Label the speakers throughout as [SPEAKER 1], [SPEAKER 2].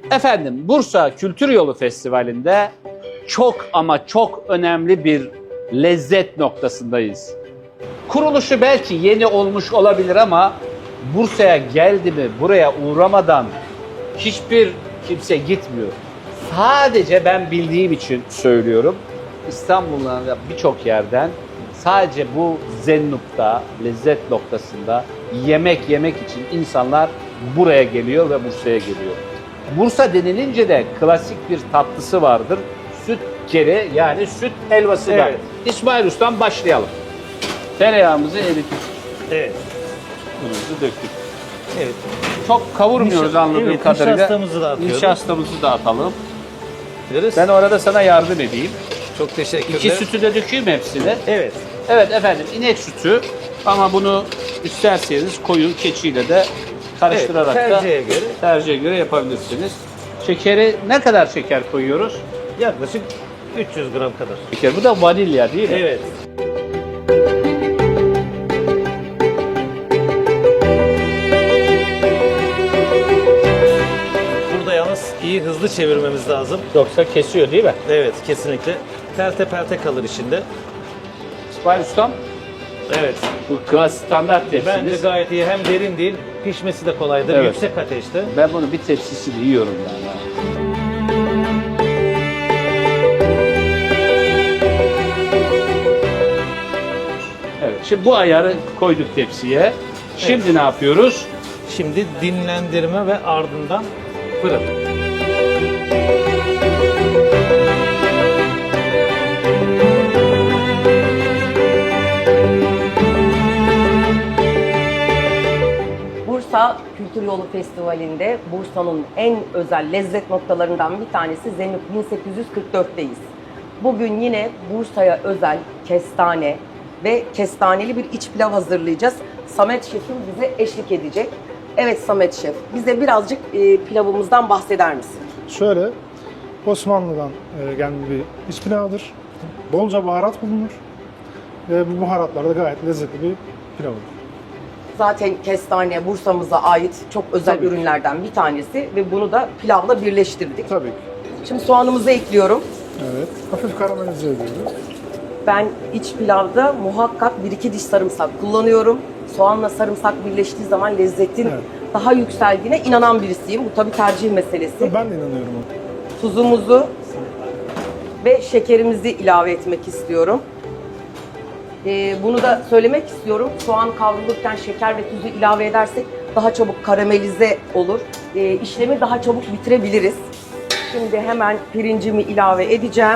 [SPEAKER 1] Efendim, Bursa Kültür Yolu Festivali'nde çok ama çok önemli bir lezzet noktasındayız. Kuruluşu belki yeni olmuş olabilir ama Bursa'ya geldi mi, buraya uğramadan hiçbir kimse gitmiyor. Sadece ben bildiğim için söylüyorum. İstanbul'da birçok yerden sadece bu Zennup'ta, lezzet noktasında yemek için insanlar buraya geliyor ve Bursa'ya geliyor. Bursa denilince de klasik bir tatlısı vardır. Süt kere, yani süt helvası da.
[SPEAKER 2] Evet.
[SPEAKER 1] İsmail Usta'dan başlayalım. Tereyağımızı erittik.
[SPEAKER 2] Evet.
[SPEAKER 1] Unumuzu döktük.
[SPEAKER 2] Evet.
[SPEAKER 1] Çok kavurmuyoruz anladığım
[SPEAKER 2] evet,
[SPEAKER 1] kadarıyla.
[SPEAKER 2] nişastamızı da atıyoruz.
[SPEAKER 1] Nişastamızı da atalım.
[SPEAKER 2] Biliriz.
[SPEAKER 1] Ben orada sana yardım edeyim.
[SPEAKER 2] Çok teşekkürler.
[SPEAKER 1] İki sütü de dökeyim hepsini.
[SPEAKER 2] Evet.
[SPEAKER 1] Evet efendim, inek sütü ama bunu isterseniz koyun keçiyle de karıştırarak
[SPEAKER 2] Evet, tercihe göre.
[SPEAKER 1] göre yapabilirsiniz. Şekeri, ne kadar şeker koyuyoruz?
[SPEAKER 2] Yaklaşık 300 gram kadar.
[SPEAKER 1] Şeker, bu da vanilya değil mi?
[SPEAKER 2] Evet. Burada yalnız iyi hızlı çevirmemiz lazım.
[SPEAKER 1] Yoksa kesiyor değil mi?
[SPEAKER 2] Evet, kesinlikle. Pelte pelte kalır içinde.
[SPEAKER 1] İsmail Ustam,
[SPEAKER 2] Evet.
[SPEAKER 1] bu klasik standart
[SPEAKER 2] Bence
[SPEAKER 1] tepsiniz.
[SPEAKER 2] gayet iyi. Hem derin değil, pişmesi de kolaydır.
[SPEAKER 1] Evet.
[SPEAKER 2] Yüksek ateşte.
[SPEAKER 1] Ben bunu bir tepsisini yiyorum yani. Evet, şimdi bu ayarı koyduk tepsiye. Şimdi ne yapıyoruz?
[SPEAKER 2] Şimdi dinlendirme ve ardından fırın.
[SPEAKER 3] Bursa Kültür Yolu Festivali'nde Bursa'nın en özel lezzet noktalarından bir tanesi Zennup 1844'teyiz. Bugün yine Bursa'ya özel kestane ve kestaneli bir iç pilav hazırlayacağız. Samet Şef'im bize eşlik edecek. Evet Samet Şef, bize birazcık pilavımızdan bahseder misin?
[SPEAKER 4] Şöyle, Osmanlı'dan gelme bir iç pilavdır. Bolca baharat bulunur ve bu baharatlar da gayet lezzetli bir pilav olur.
[SPEAKER 3] Zaten kestane Bursa'mıza ait çok özel
[SPEAKER 4] Tabii ki.
[SPEAKER 3] ürünlerden bir tanesi ve bunu da pilavla birleştirdik.
[SPEAKER 4] Tabii ki.
[SPEAKER 3] Şimdi soğanımızı ekliyorum.
[SPEAKER 4] Evet, hafif karamelize ediyoruz.
[SPEAKER 3] Ben iç pilavda muhakkak 1-2 diş sarımsak kullanıyorum. Soğanla sarımsak birleştiği zaman lezzetin
[SPEAKER 4] Evet.
[SPEAKER 3] daha yükseldiğine inanan birisiyim. Bu tabii tercih meselesi.
[SPEAKER 4] Ben de inanıyorum ona.
[SPEAKER 3] Tuzumuzu ve şekerimizi ilave etmek istiyorum. Bunu da söylemek istiyorum. Soğan kavrulurken şeker ve tuzu ilave edersek daha çabuk karamelize olur. İşlemi daha çabuk bitirebiliriz. Şimdi hemen pirincimi ilave edeceğim.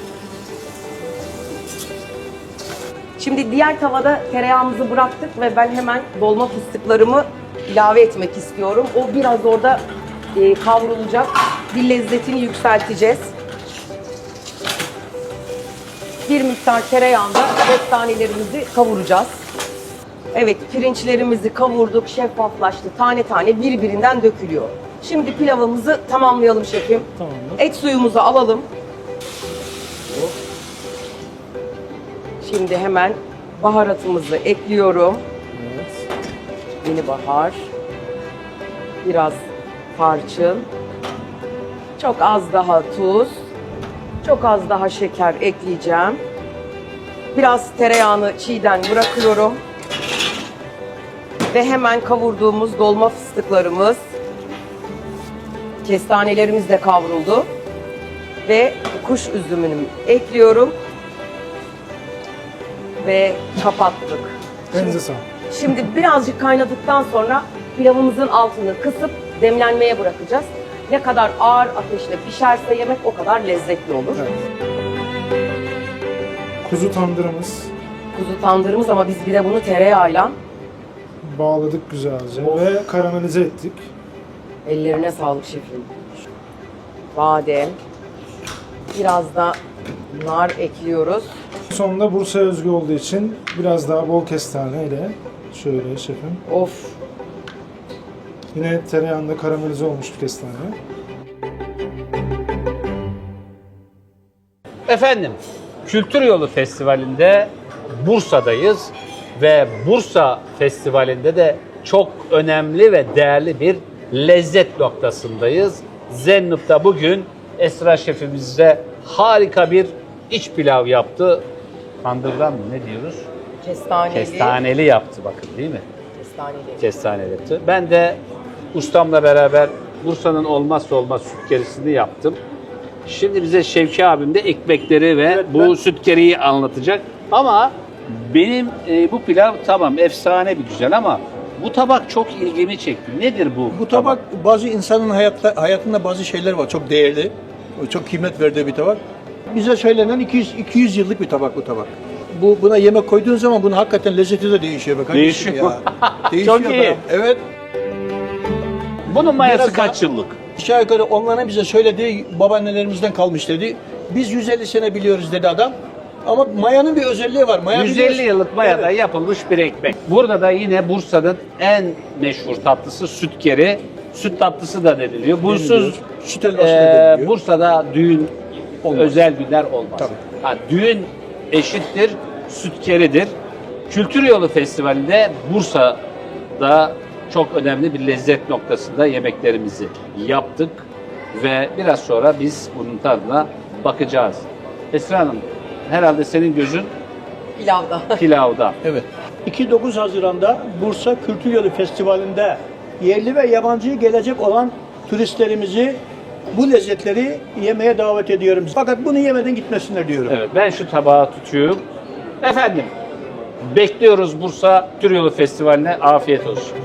[SPEAKER 3] Şimdi diğer tavada tereyağımızı bıraktık ve ben hemen dolma fıstıklarımı ilave etmek istiyorum. O biraz orada kavrulacak. Bir lezzetini yükselteceğiz. Bir miktar tereyağında kestanelerimizi kavuracağız. Evet, pirinçlerimizi kavurduk, şeffaflaştı. Tane tane birbirinden dökülüyor. Şimdi pilavımızı tamamlayalım şefim.
[SPEAKER 4] Tamamdır.
[SPEAKER 3] Et suyumuzu alalım. Şimdi hemen baharatımızı ekliyorum.
[SPEAKER 4] Evet.
[SPEAKER 3] Yeni bahar. Biraz tarçın. Çok az daha tuz. Çok az daha şeker ekleyeceğim. Biraz tereyağını çiğden bırakıyorum. Ve hemen kavurduğumuz dolma fıstıklarımız, kestanelerimiz de kavruldu. Ve kuş üzümünü ekliyorum. Ve kapattık.
[SPEAKER 4] Elinize sağlık.
[SPEAKER 3] Şimdi birazcık kaynadıktan sonra pilavımızın altını kısıp demlenmeye bırakacağız. Ne kadar ağır ateşle pişerse yemek o kadar lezzetli olur.
[SPEAKER 4] Evet. Kuzu tandırımız
[SPEAKER 3] Kuzu tandırımız ama biz bir de bunu tereyağıyla,
[SPEAKER 4] bağladık güzelce ve karamelize ettik.
[SPEAKER 3] ellerine sağlık şefim. Badem, biraz da nar ekliyoruz.
[SPEAKER 4] Sonunda Bursa'ya özgü olduğu için biraz daha bol kestane ile şöyle şefim.
[SPEAKER 3] Of,
[SPEAKER 4] Yine tereyağında karamelize olmuş bir kestane.
[SPEAKER 1] Efendim, Kültür Yolu Festivali'nde Bursa'dayız ve Bursa Festivali'nde de çok önemli ve değerli bir lezzet noktasındayız. Zennup'ta bugün Esra şefimizle harika bir iç pilav yaptı. Tandırdan mı ne diyoruz?
[SPEAKER 3] Kestaneli.
[SPEAKER 1] Kestaneli yaptı bakın değil mi?
[SPEAKER 3] Kestaneli.
[SPEAKER 1] Kestaneli yaptı. Ben de ustamla beraber Bursa'nın olmazsa olmaz sütkerisini yaptım. Şimdi bize Şevki abim de ekmekleri ve bu sütkeriyi anlatacak. Ama benim bu pilav tamam efsane bir güzel ama bu tabak çok ilgimi çekti. Nedir bu?
[SPEAKER 5] Bu tabak bazı insanın hayatında bazı şeyler var çok değerli, çok kıymet verdiği bir tabak. Bize söylenen 200 yıllık bir tabak bu tabak. Buna yemek koyduğun zaman bunun hakikaten lezzeti de değişiyor. Be kardeşim
[SPEAKER 1] Değişiyor.
[SPEAKER 5] Ya. Değişiyor
[SPEAKER 1] Çok iyi.
[SPEAKER 5] be. Evet.
[SPEAKER 1] Bunun mayası
[SPEAKER 5] Biraz
[SPEAKER 1] kaç yıllık?
[SPEAKER 5] Aşağı yukarı onların bize söylediği babaannelerimizden kalmış dedi. Biz 150 sene biliyoruz dedi adam. Ama mayanın bir özelliği var. Maya
[SPEAKER 1] 150
[SPEAKER 5] biliyorsun.
[SPEAKER 1] yıllık mayada
[SPEAKER 5] Evet.
[SPEAKER 1] yapılmış bir ekmek. Burada da yine Bursa'nın en meşhur tatlısı sütkeri. Süt tatlısı da deniliyor. Bursuz
[SPEAKER 5] Süt helvası da deniliyor.
[SPEAKER 1] Bursa'da düğün
[SPEAKER 5] Olmaz.
[SPEAKER 1] özel günler olmaz.
[SPEAKER 5] Tabii.
[SPEAKER 1] Ha, düğün eşittir sütkeridir. Kültür Yolu Festivali'nde Bursa'da çok önemli bir lezzet noktasında yemeklerimizi yaptık ve biraz sonra biz bunun tadına bakacağız. Esra Hanım, herhalde senin gözün
[SPEAKER 3] Pilavda.
[SPEAKER 1] pilavda.
[SPEAKER 5] Evet.
[SPEAKER 6] 2-9 Haziran'da Bursa Kültür Yolu Festivali'nde yerli ve yabancı gelecek olan turistlerimizi bu lezzetleri yemeye davet ediyorum. Fakat bunu yemeden gitmesinler diyorum.
[SPEAKER 1] Evet, ben şu tabağı tutuyorum. Efendim, bekliyoruz Bursa Kültür Yolu Festivali'ne. Afiyet olsun.